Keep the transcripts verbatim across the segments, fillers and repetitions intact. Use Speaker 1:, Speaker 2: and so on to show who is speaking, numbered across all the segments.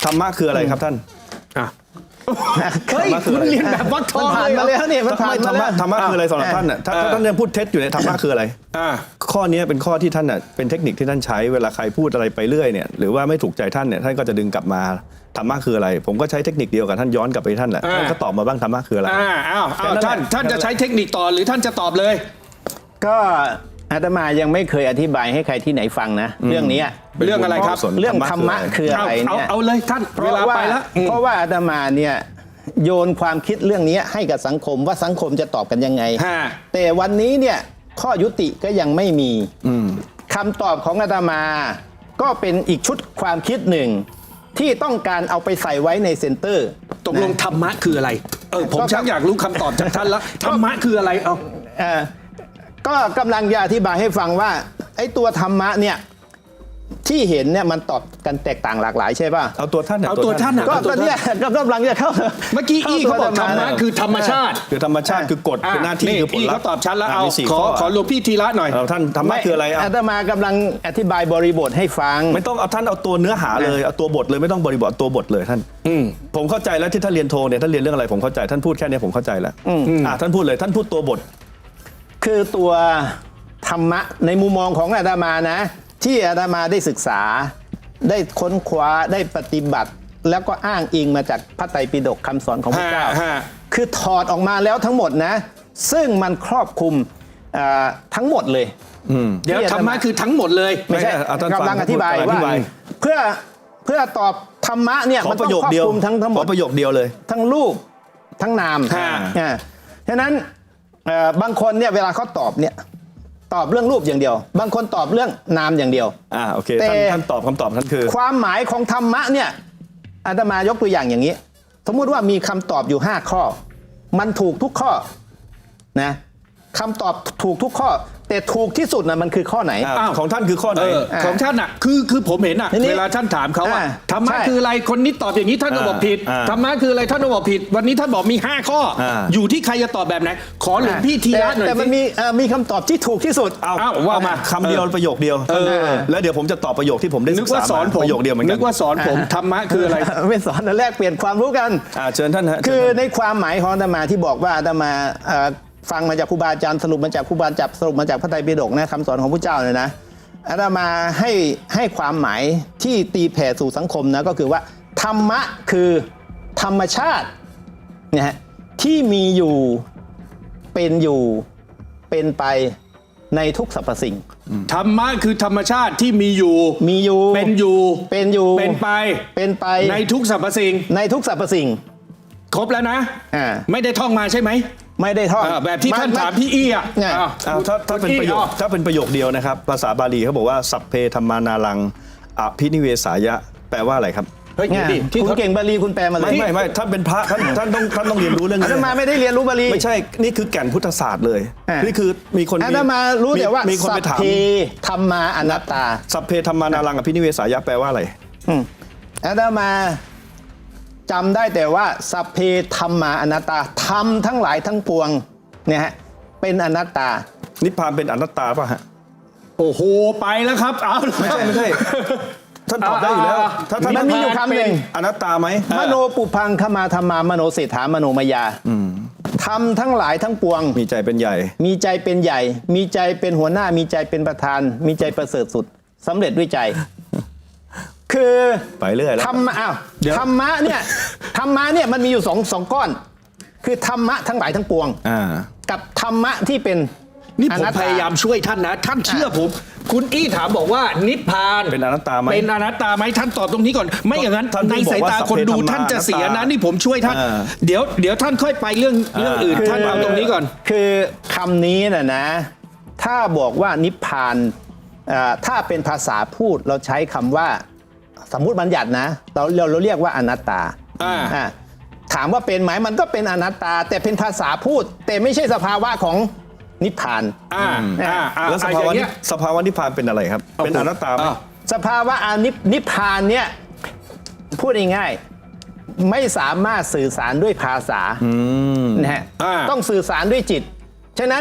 Speaker 1: ธรรมะคืออะไรครับท่าน
Speaker 2: อ่ะเฮ้ยคุณเรียนแบบวัดทอง
Speaker 3: ผ่านมาแล้วเนี่ยมันผ่าน
Speaker 1: ธร
Speaker 3: มาร
Speaker 1: มะ
Speaker 3: แล้ว
Speaker 1: ธรรมะคืออะไรสำหรับท่านน่ะถ้าถ้าท่านยังพูดเท็จอยู่เนี่ยธรรมะคืออะไร
Speaker 2: อ่า
Speaker 1: ข้อนี้เป็นข้อที่ท่านน่ะเป็นเทคนิคที่ท่านใช้เวลาใครพูดอะไรไปเรื่อยเนี่ยหรือว่าไม่ถูกใจท่านเนี่ยท่านก็จะดึงกลับมาธรรมะคืออะไรผมก็ใช้เทคนิคเดียวกับท่านย้อนกลับไปท่านแหละท่านก็ตอบมาบ้างธรรมะคืออะไร
Speaker 2: อ่าอ้าวอ้าวท่านท่านจะใช้เทคนิคต่อหรือท่านจะตอบเลย
Speaker 3: ก็อาตมายังไม่เคยอธิบายให้ใครที่ไหนฟังนะเรื่องนี้
Speaker 2: เรื่องอะไรครับ
Speaker 3: เรื่องธรรมะคืออะไร
Speaker 2: เอา
Speaker 3: เนี่ย
Speaker 2: เอาเลยท่าน
Speaker 3: เพ
Speaker 2: เว
Speaker 3: ราะ
Speaker 2: ลา
Speaker 3: ว่า
Speaker 2: ไปแล้วอืม
Speaker 3: เพราะว่าอาตมาเนี่ยโยนความคิดเรื่องนี้ให้กับสังคมว่าสังคมจะตอบกันยังไง
Speaker 2: ฮะ
Speaker 3: แต่วันนี้เนี่ยข้อยุติก็ยังไม่มีคำตอบของอาตมา ก็เป็นอีกชุดความคิดหนึ่ง ที่ต้องการเอาไปใส่ไว้ในเซ็นเตอร์
Speaker 2: ตกลงธรรมะคืออะไรเออผม
Speaker 3: ก็
Speaker 2: ชักอยากรู้คำตอบจากท่านแล้วธรรมะคืออะไรเอา
Speaker 3: เอ่อก็กำลังจะอธิบายให้ฟังว่าไอ้ตัวธรรมะเนี่ยที่เห็นเนี่ยมันตอบกันแตกต่างหลากหลายใช่ป่ะ
Speaker 1: เอาตัวท่านน่ะ
Speaker 2: เอาตัวท่านน่ะ
Speaker 3: ก็ก็เนี่ยก็กำลังจะเข้า
Speaker 2: เมื่อกี้อี้เขาบอกธรรมะคือธรรมชาติ
Speaker 1: คือธรรมชาติคือกฎคือหน้าที่คือผล
Speaker 2: อี้
Speaker 1: ลัพ
Speaker 2: เขา
Speaker 1: ธ์
Speaker 2: ตอบชัดแล้ว
Speaker 1: ะ
Speaker 2: เอา
Speaker 1: มีสี่
Speaker 2: ขอ
Speaker 1: ข้
Speaker 2: ขอหลวงพี่ทีละหน่อย
Speaker 1: เอาท่านธรรมะคืออะไรอ่ะ
Speaker 3: อาตมากำลังอธิบายบริบทให้ฟัง
Speaker 1: ไม่ต้องเอาท่านเอาตัวเนื้อหาเลยเอาตัวบทเลยไม่ต้องบริบทตัวบทเลยท่านผมเข้าใจแล้วที่ท่านเรียนโทเนี่ยท่านเรียนเรื่องอะไรผมเข้าใจท่านพูดแค่นี้ผมเข้าใจแล้วอ่ะท่านพูดเลยท่านพูดตัวบท
Speaker 3: คือตัวธรรมะในมุมมองของอาตมานะ ที่อาตมาได้ศึกษา ได้ค้นคว้าได้ปฏิบัติ แล้วก็อ้างอิงมาจากพระไตรปิฎกคำสอนของพระเจ้า
Speaker 2: ฮะฮะ
Speaker 3: คือถอดออกมาแล้วทั้งหมดนะ ซึ่งมันครอบคลุมเอ่อทั้งหมดเลย
Speaker 2: เดี๋ยวธรรมะคือทั้งหมดเลย
Speaker 3: ไม่ใช่
Speaker 1: ไม่ใช่เอาท่านฟัง
Speaker 3: กำลังอธิบาย
Speaker 1: อธิ
Speaker 3: ว่า
Speaker 1: บาย
Speaker 3: เพื่อเพื่อตอบธรรมะเนี่ย
Speaker 1: ขอ
Speaker 3: มัน
Speaker 1: ป
Speaker 3: ต้อ
Speaker 1: ระ
Speaker 3: ง
Speaker 1: โยค
Speaker 3: ครอบ
Speaker 1: เดียว
Speaker 3: คลุมทั้งทั้งหม
Speaker 1: ข
Speaker 3: ด
Speaker 1: อประโยคเดียวเลย
Speaker 3: ทั้งรูปทั้งนาม
Speaker 2: ฮะ
Speaker 3: อ่าฉะนั้นเอ่อบางคนเนี่ยเวลาเขาตอบเนี่ยตอบเรื่องรูปอย่างเดียว บางคนตอบเรื่องนามอย่างเดียว
Speaker 1: อ่าโอเค
Speaker 3: แต่
Speaker 1: ท่านท่านตอบคำตอบท่านคือ
Speaker 3: ความหมายของธรรมะเนี่ยอาตมายกตัวอย่างอย่างนี้ สมมุติว่ามีคำตอบอยู่ห้าข้อ มันถูกทุกข้อนะคำตอบถูกทุกข้อ แต่ถูกที่สุดนะมันคือข้อไหน
Speaker 1: อ่า
Speaker 2: อ้าว
Speaker 1: ของท่านคือข้อไหน
Speaker 2: เออของท่านอ่ะคือคือผมเห็นอ่ะ
Speaker 3: ทีนี้
Speaker 2: เวลาท่านถามเขาว่า
Speaker 3: อ่า
Speaker 2: ธรรมะ
Speaker 3: ใช่
Speaker 2: คืออะไรคนนี้ตอบอย่างนี้ท่านก็บอกผิด
Speaker 1: อ่า
Speaker 2: ธรรมะคืออะไรท่านก็บอกผิด วันนี้ท่านบอกมีห้าข้ออา อยู่ที่ใครจะตอบแบบไหนขอหลวงพี่ทีละหน่อย
Speaker 3: แต่แต่มัน
Speaker 2: สิ
Speaker 3: มีเอ่อมีคำตอบที่ถูกที่สุด
Speaker 1: เอา
Speaker 2: อ้าวว่ามา
Speaker 1: คำเดียวประโยคเดียว
Speaker 2: เออ
Speaker 1: แล้วเดี๋ยวผมจะตอบประโยคที่ผมได้
Speaker 2: นึ
Speaker 1: ศึ
Speaker 2: ก
Speaker 1: กษา
Speaker 2: ว่าสอน
Speaker 1: มา
Speaker 2: ผม
Speaker 1: ประโยคเดียวเหมือนกั
Speaker 2: นึ
Speaker 1: น
Speaker 2: กว่าสอนผมธรรมะคืออะไร
Speaker 3: ไม่สอนแต่แรกเปลี่ยนความรู้กัน
Speaker 1: อ่าเชิญท่านฮะ
Speaker 3: คือ
Speaker 1: เชิญท่าน
Speaker 3: ในความหมายของอาตมาที่บอกว่าอาตมาเอ่อฟังมาจากครูบาอาจารย์สรุปมาจากครูบาอาจารย์สรุปมาจากพระไตรปิฎกนะคำสอนของพระเจ้าเลยนะอาตมาให้ให้ความหมายที่ตีแผ่สู่สังคมนะก็คือว่าธรรมะคือธรรมชาตินะฮะที่มีอยู่เป็นอยู่เป็นไปในทุกสรรพสิ่ง
Speaker 2: ธรรมะคือธรรมชาติที่มีอยู่
Speaker 3: มีอยู่
Speaker 2: เป็นอยู่
Speaker 3: เป็นอยู่
Speaker 2: เป็นไป
Speaker 3: เป็นไป
Speaker 2: ในทุกสรรพสิ่ง
Speaker 3: ในทุกสรรพสิ่ง
Speaker 2: ครบแล้วนะ
Speaker 3: อ่า
Speaker 2: ไม่ได้ท่องมาใช่ไหม
Speaker 3: ไม่ได้ทอด
Speaker 2: อ่าแบบที่ท่านถามพี่อี้อ่ะ
Speaker 3: เนี่ย
Speaker 2: อ้าว
Speaker 1: เอาถ้าถ้าเป็นประโยค
Speaker 2: อ้าว
Speaker 1: ถ้าเป็นประโยคเดียวนะครับภาษาบาลีเขาบอกว่าสัพเพธรรมานารังอภินิเวสายะแปลว่าอะไรครับ
Speaker 2: เฮ้ย
Speaker 3: เนี่
Speaker 2: เดี๋ย
Speaker 3: ยว
Speaker 2: ดิที่
Speaker 3: คุณ
Speaker 2: เขา
Speaker 3: เก่งบาลีคุณแปลมาเลย
Speaker 1: ไม่ไม่ไม่ท่านเป็นพระท่านท่านต้องท่านต้องเรียนรู้เรื่อง
Speaker 3: อา
Speaker 1: นี้
Speaker 3: ตมาไม่ได้เรียนรู้บาลี
Speaker 1: ไม่ใช่นี่คือแก่นพุทธศาสตร์เลย
Speaker 3: อ่านี่
Speaker 1: นี่คือมีคน
Speaker 3: อาตมารู้แต่ว่า
Speaker 1: มีคน
Speaker 3: สั
Speaker 1: ไป
Speaker 3: พ
Speaker 1: ถาม
Speaker 3: เพธรรมาอนัตตา
Speaker 1: สัพเพธรรมานารังอภินิเวสายะแปลว่าอะไร
Speaker 3: อืมอาตมาจำได้แต่ว่าสัพเพธรรมาอนัตตาธรรมทั้งหลายทั้งปวงเนี่ยฮะเป็นอนัตตา
Speaker 1: นิพพานเป็นอนัตตาป่ะฮะ
Speaker 2: โอ้โหไปแล้วครับเอา
Speaker 1: ไม่ใช่ไม่ใช่ท่านตอบได้อยู่แล้ว
Speaker 2: อ่า
Speaker 1: ถ้าท่าน
Speaker 3: มันมีอยู่คำหนึ่ง
Speaker 1: อนัตตาไหม
Speaker 3: มโนปุพังขมาธรรมามโนเศรษฐามโนมายาธรรมทั้งหลายทั้งปวง
Speaker 1: มีใจเป็นใหญ่
Speaker 3: มีใจเป็นใหญ่ มีใจเป็นหัวหน้า มีใจเป็นประธาน มีใจประเสริฐสุดสำเร็จด้วยใจ คือ
Speaker 1: ไปเรื่อยแล้ว
Speaker 3: ธรรมะอ้าวธรรมะเนี่ยธรรมะเนี่ยมันมีอยู่สองสองก้อน คือธรรมะทั้งหลายทั้งปวง
Speaker 1: อ่า
Speaker 3: กับธรรมะที่เป็น
Speaker 2: นี่ผม
Speaker 3: อตต
Speaker 2: พยายามช่วยท่านนะ ท่านเชื่อผม คุณอี้ถามบอกว่านิพพาน
Speaker 1: เป็นอนัตตาไหม
Speaker 2: เป็นอนัตตาไหมท่านตอบตรงนี้ก่อน ไม่อย่างนั้น
Speaker 1: ท่าน
Speaker 2: ใน
Speaker 1: เพิ่งบอก
Speaker 2: สายตา
Speaker 1: ว่า
Speaker 2: คนดู
Speaker 1: สัพเพธรรมา
Speaker 2: ท่านจะเสีย
Speaker 1: อนัต
Speaker 2: นะ
Speaker 1: ตา
Speaker 2: นี่ผมช่วยท่าน
Speaker 1: อ่า
Speaker 2: เดี๋ยวเดี๋ยวท่านค่อยไปเรื่องเรื่องอื่น
Speaker 1: อ่า
Speaker 2: ท่านเอาตรงนี้ก่อน
Speaker 3: คือคำนี้นะนะ ถ้าบอกว่านิพพานอ่าถ้าเป็นภาษาพูดเราใช้คำว่าสมมุติบัญญัตินะเราเราเราเรียกว่าอนัตตา
Speaker 2: อ่า
Speaker 3: อ่าถามว่าเป็นไหมมันก็เป็นอนัตตา แต่เป็นภาษาพูด แต่ไม่ใช่สภาวะของนิพพาน
Speaker 2: อ่าอ่าอ่า
Speaker 1: แล้วส
Speaker 2: อ่า
Speaker 1: ภา
Speaker 2: อย่าว
Speaker 1: ะ
Speaker 2: ง
Speaker 1: นิ
Speaker 2: เงี้ย
Speaker 1: สภาวะนิพพานเป็นอะไรครับ เป็นอนัตตาไหม
Speaker 2: อ้าว
Speaker 3: สภาวะอนิพนิพพานเนี่ยพูดง่ายๆไม่สามารถสื่อสารด้วยภาษานะฮะ
Speaker 2: อ่า
Speaker 3: ต้องสื่อสารด้วยจิต ฉะนั้น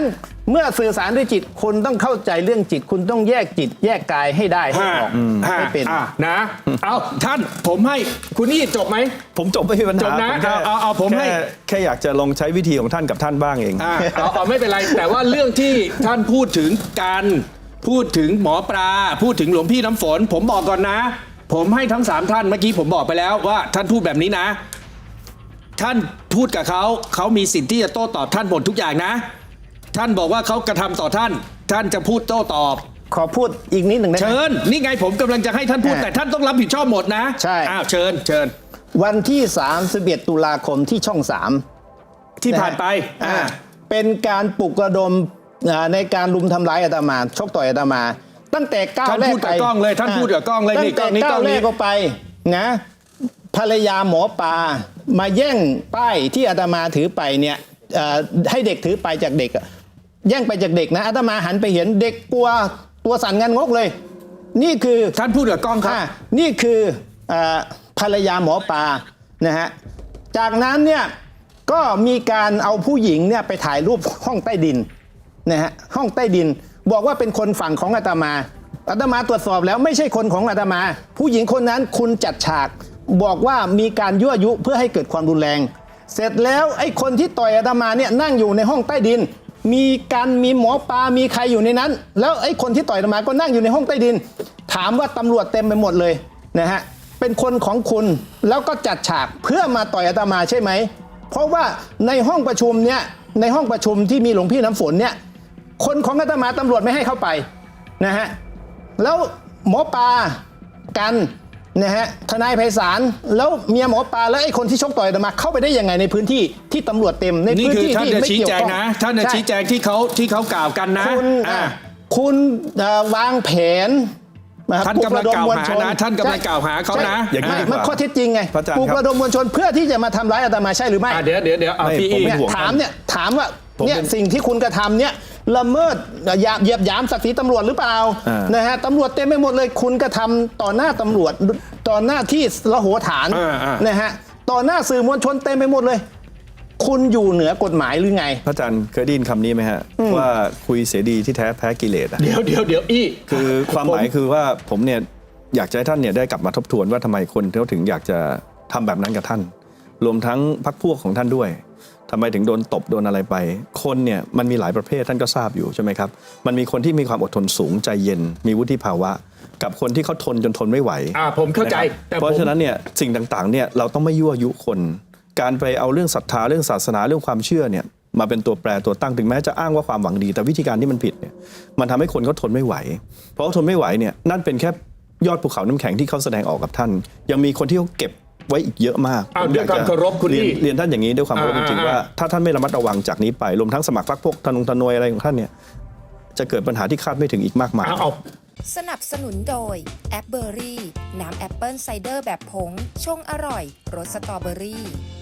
Speaker 3: เมื่อสื่อสารด้วยจิตคุณต้องเข้าใจเรื่องจิต คุณต้องแยกจิต แยกกายให้ได้ให้ออก
Speaker 2: ห้า
Speaker 3: ให้เป็น
Speaker 2: อ่ะนะ เอาท่านผมให้คุณนี่จบไหม
Speaker 1: ผมจบไม่มีปัญหา
Speaker 2: จบนะ
Speaker 1: ผมแค่
Speaker 2: เอาเอาเอาผมให้
Speaker 1: แค่แค่อยากจะลองใช้วิธีของท่านกับท่านบ้างเอง
Speaker 2: อ่าเอาเอาไม่เป็นไร แต่ว่าเรื่องที่ท่านพูดถึงการพูดถึงหมอปลาพูดถึงหลวงพี่น้ำฝน ผมบอกก่อนนะ ผมให้ทั้งสามท่านเมื่อกี้ผมบอกไปแล้วว่าท่านพูดแบบนี้นะ ท่านพูดกับเขาเขามีสิทธิ์ที่จะโต้ตอบท่านหมดทุกอย่างนะ ท่านบอกว่าเขากระทำต่อท่าน ท่านจะพูดโต้ตอบ
Speaker 3: ขอพูดอีกนิดหนึ่งได้ไหม
Speaker 2: เชิญนี่ไงผมกำลังจะให้ท่านพูด
Speaker 3: อ่า
Speaker 2: แต่ท่านต้องรับผิดชอบหมดนะ
Speaker 3: ใช่
Speaker 2: อ้าวเชิญเชิญ
Speaker 3: วันที่สามสิบเอ็ดตุลาคมที่ช่องสาม
Speaker 2: ที่ผ่านไป
Speaker 3: อ่า
Speaker 2: อ่า
Speaker 3: เป็นการปลุกระดมอ่าในการลุมทำร้ายอาตมาชกต่อยอาตมา ตั้งแต่ก้าว
Speaker 2: ท่าน
Speaker 3: แรก
Speaker 2: พูดกับ
Speaker 3: ไป
Speaker 2: กล้องเลยท่านพูดกับกล้องเลย
Speaker 3: ตั้
Speaker 2: นี่
Speaker 3: ง
Speaker 2: กล้
Speaker 3: แต่
Speaker 2: องนี้กล้
Speaker 3: ก้า
Speaker 2: อ
Speaker 3: ว
Speaker 2: ง
Speaker 3: แร
Speaker 2: นี้
Speaker 3: กก็ไปนะภรรยาหมอปลามาแย่งป้ายที่อาตมาถือไปเนี่ยเอ่อให้เด็กถือไปจากเด็กอะแย่งไปจากเด็กนะอาตมาหันไปเห็นเด็กกลัวตัวสั่นงันงกเลย นี่คือ
Speaker 2: ท่านพูดกับกล้องครับ
Speaker 3: อ่านี่คือเอ่อภรรยาหมอปลานะฮะ จากนั้นเนี่ยก็มีการเอาผู้หญิงเนี่ยไปถ่ายรูปห้องใต้ดินนะฮะห้องใต้ดิน บอกว่าเป็นคนฝั่งของอาตมาอาตมาตรวจสอบแล้วไม่ใช่คนของอาตมา ผู้หญิงคนนั้นคุณจัดฉาก บอกว่ามีการยั่วยุเพื่อให้เกิดความรุนแรง เสร็จแล้วไอ้คนที่ต่อยอาตมาเนี่ยนั่งอยู่ในห้องใต้ดิน มีการมีหมอปลามีใครอยู่ในนั้น แล้วไอ้คนที่ต่อยอาตมาก็นั่งอยู่ในห้องใต้ดิน ถามว่าตำรวจเต็มไปหมดเลยนะฮะเป็นคนของคุณแล้วก็จัดฉากเพื่อมาต่อยอาตมาใช่ไหม เพราะว่าในห้องประชุมเนี่ยในห้องประชุมที่มีหลวงพี่น้ำฝนเนี่ยคนของอาตมาตำรวจไม่ให้เข้าไปนะฮะแล้วหมอปลากันนะฮะทนายไพศาลแล้วเมียหมอปลาแล้วไอ้คนที่ชกต่อยอาตมาเข้าไปได้ยังไงในพื้นที่ที่ตำรวจเต็มใน
Speaker 2: นี่
Speaker 3: พื้น
Speaker 2: คือ
Speaker 3: ที่
Speaker 2: ท่าน
Speaker 3: ที่
Speaker 2: จะ
Speaker 3: ไม่
Speaker 2: ชี้
Speaker 3: เกี่ยว
Speaker 2: แจง
Speaker 3: ข้อง
Speaker 2: นะ ท่านจะ
Speaker 3: ใช่
Speaker 2: ชี้แจงที่เขาที่เขากล่าวกันนะ
Speaker 3: คุณ
Speaker 2: อ่า
Speaker 3: อ่ะคุณเอ่อวางแผน
Speaker 2: ท่านกำลังกล่าวหานะท่านกำลังกล่าวหาเขานะ
Speaker 1: อย่างนี้
Speaker 3: ไม่
Speaker 1: ดีกว่า
Speaker 3: มันข้อเท็จจริงไง
Speaker 1: พระอาจารย์
Speaker 3: ปลุก
Speaker 1: ครับ
Speaker 3: ระดมมวลชนเพื่อที่จะมาทำร้ายอาตมาใช่หรือไม่
Speaker 2: อ่ะเดี๋ยวเดี๋ยวเดี๋ยวเอา
Speaker 1: ไม่
Speaker 2: พี่
Speaker 1: ผม
Speaker 2: อี
Speaker 1: ไม่
Speaker 3: เนี่ย
Speaker 1: ห่วง
Speaker 3: ถามเนี่ยถามว่า
Speaker 1: ผม
Speaker 3: เนี่ย
Speaker 1: เป็น
Speaker 3: สิ่งที่คุณกระทำเนี่ยละเมิดหยาบเหยียบหยามศักดิ์ศรีตำรวจหรือเปล่า
Speaker 1: อ่าน
Speaker 3: นะฮะตำรวจเต็มไปหมดเลยคุณกระทำต่อหน้าตำรวจต่อหน้าที่ละโหฐาน
Speaker 2: อ่าอ่าน
Speaker 3: นะฮะต่อหน้าสื่อมวลชนเต็มไปหมดเลย คุณอยู่เหนือกฎหมายหรือไง
Speaker 1: พระอาจารย์เคยได้ยินคำนี้ไหมฮะ ว่าคุยเสียดีที่แท้แพ้กิเลสอะ
Speaker 2: เดี๋ยวเดี๋ยวเดี๋ยวอี
Speaker 1: คือความหมายคือว่าผมเนี่ยอยากจะให้ท่านเนี่ยได้กลับมาทบทวนว่าทำไมคนเขาถึงอยากจะทำแบบนั้นกับท่าน รวมทั้งพรรคพวกของท่านด้วยทำไมถึงโดนตบโดนอะไรไป คนเนี่ยมันมีหลายประเภทท่านก็ทราบอยู่ใช่ไหมครับมันมีคนที่มีความอดทนสูงใจเย็น มีวุฒิภาวะ กับคนที่เขาทนจนทนไม่ไหว
Speaker 2: อ่าผมเข้าใจ
Speaker 1: นะครับ
Speaker 2: แต่
Speaker 1: เพ
Speaker 2: ผม
Speaker 1: ราะฉะนั้นเนี่ยสิ่งต่างๆเนี่ยเราต้องไม่ยั่วยุคน การไปเอาเรื่องศรัทธาเรื่องศาสนาเรื่องความเชื่อเนี่ยมาเป็นตัวแปรตัวตั้งถึงแม้จะอ้างว่าความหวังดี แต่วิธีการที่มันผิดเนี่ยมันทำให้คนเขาทนไม่ไหว เพราะเขาทนไม่ไหวเนี่ยนั่นเป็นแค่ยอดภูเขาน้ำแข็งที่เขาแสดงออกกับท่าน ยังมีคนที่เขาเก็บไว้อีกเยอะมาก
Speaker 2: อ้าว
Speaker 1: ผม
Speaker 2: ด้วยความเคารพคุณ
Speaker 1: เรียน
Speaker 2: พี่
Speaker 1: เรียนท่านอย่างนี้ด้วยความเคารพจ
Speaker 2: อ่า
Speaker 1: ริงๆว่าถ้าท่านไม่ระมัดระวังจากนี้ไปรวมทั้งสมัครพรรคพวกธนงธนวยอะไรของท่านเนี่ยจะเกิดปัญหาที่คาดไม่ถึงอีกมากมาย
Speaker 2: เอาเอา
Speaker 4: สนับสนุนโดยแอปเบอรี่น้ำแอปเปิลไซเดอร์แบบผงชงอร่อยรสสตรอเบอรี่